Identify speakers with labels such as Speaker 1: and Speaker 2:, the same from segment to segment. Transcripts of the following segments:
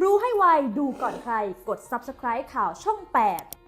Speaker 1: รู้ให้ไวดูก่อนใครกด Subscribe ข่าวช่อง 8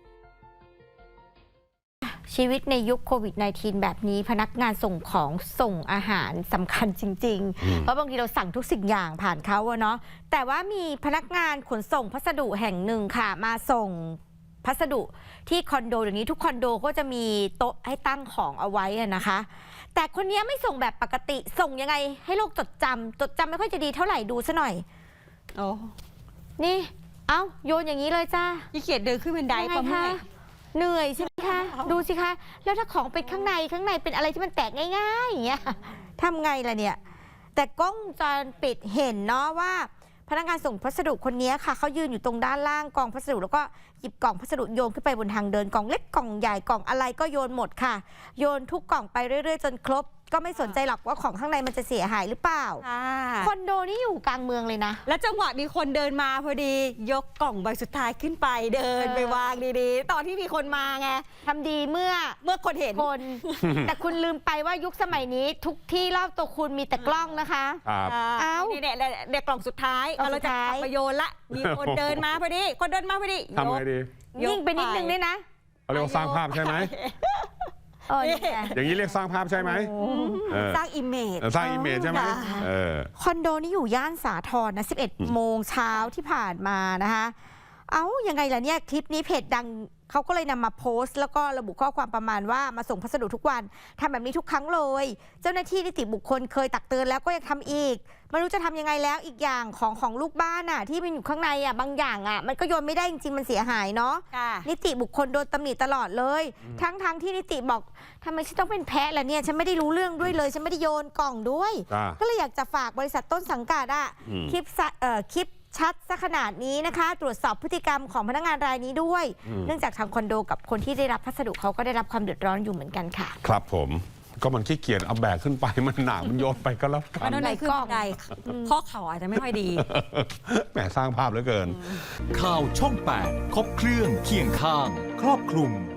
Speaker 2: ชีวิตในยุคโควิด -19 แบบนี้พนักงานส่งของส่งอาหารสำคัญจริงๆเพราะบางทีเราสั่งทุกสิ่งอย่างผ่านเขาเนาะแต่ว่ามีพนักงานขนส่งพัสดุแห่งหนึ่งค่ะมาส่งพัสดุที่คอนโดเดี๋ยวนี้ทุกคอนโดก็จะมีโต๊ะให้ตั้งของเอาไว้นะคะแต่คนนี้ไม่ส่งแบบปกติส่งยังไงให้โลกจดจำไม่ค่อยจะดีเท่าไหร่ดูซะหน่อย
Speaker 3: โอ้
Speaker 2: นี่โยนอย่างนี้เลยจ้า
Speaker 3: ยี่เกียจเดินขึ้นบันไดปะเมื่อย
Speaker 2: เหนื่อยใช่ไหมคะดูสิคะแล้วถ้าของเป็นข้างในเป็นอะไรที่มันแตกง่ายๆอย่างเงี้ยทำไงล่ะเนี่ยแต่กล้องวงจรปิดเห็นเนาะว่าพนักงานส่งพัสดุคนนี้ค่ะเขายืนอยู่ตรงด้านล่างกองพัสดุแล้วก็หยิบกล่องพัสดุโยนขึ้นไปบนทางเดินกล่องเล็กกล่องใหญ่กล่องอะไรก็โยนหมดค่ะโยนทุกกล่องไปเรื่อยๆจนครบก็ไม่สนใจหรอกว่าของข้างในมันจะเสียหายหรือเปล่าคอนโดนี่อยู่กลางเมืองเลยนะ
Speaker 3: แล้วจังหวะมีคนเดินมาพอดียกกล่องใบสุดท้ายขึ้นไปเดินไปวางดีๆตอนที่มีคนมาไง
Speaker 2: ทำดีเมื่อ
Speaker 3: คนเห็น
Speaker 2: คน แต่คุณลืมไปว่ายุคสมัยนี้ทุกที่รอบตัวคุณมีแต่กล้องนะคะ
Speaker 3: นี่เนี่ยกล่องสุดท้ายเราจะขับไปโยนละมีคนเดินมาพอดีทำ
Speaker 4: ไงดี
Speaker 2: ยิ่งไปนิดนึงด้วยนะ
Speaker 4: เขาเรียกว่าสร้างภาพใช่ไหมอย่างนี้เรียกสร้างภาพใช่ไหม
Speaker 3: สร้างอิมเมจ
Speaker 4: ใช่ไหม
Speaker 2: คอนโดนี่อยู่ย่านสาทรนะ11 โมงเช้าที่ผ่านมานะคะยังไงล่ะเนี่ยคลิปนี้เพจดังเขาก็เลยนำมาโพสต์แล้วก็ระบุข้อความประมาณว่ามาส่งพัสดุทุกวันทำแบบนี้ทุกครั้งเลยเจ้าหน้าที่นิติบุคคลเคยตักเตือนแล้วก็ยังทำอีกไม่รู้จะทำยังไงแล้วอีกอย่างของลูกบ้านที่มันอยู่ข้างในบางอย่างมันก็โยนไม่ได้จริงๆมันเสียหายเนาะนิติบุคคลโดนตำหนิตลอดเลยทั้งที่นิติบอกทำไมฉันต้องเป็นแพ้ล่ะเนี่ยฉันไม่ได้รู้เรื่องด้วยเลยฉันไม่ได้โยนกล่องด้วยก็เลยอยากจะฝากบริษัทต้นสังกัดคลิปชัดซะขนาดนี้นะคะตรวจสอบพฤติกรรมของพนักงานรายนี้ด้วยเนื่องจากทางคอนโดกับคนที่ได้รับพัสดุเขาก็ได้รับความเดือดร้อนอยู่เหมือนกันค่ะ
Speaker 4: ครับผมก็มันขี้เกียจเอาแบกขึ้นไปมันหนักมันโยนไปก็แล้วกัน
Speaker 3: มันไหนขึ้นบันไดข้อเข่าอาจจะไม่ค่อยดี
Speaker 4: แหมสร้างภาพเหลือเกิน
Speaker 5: ข่าวช่อง 8 ครบเครื่องเคียงข้างครอบคลุม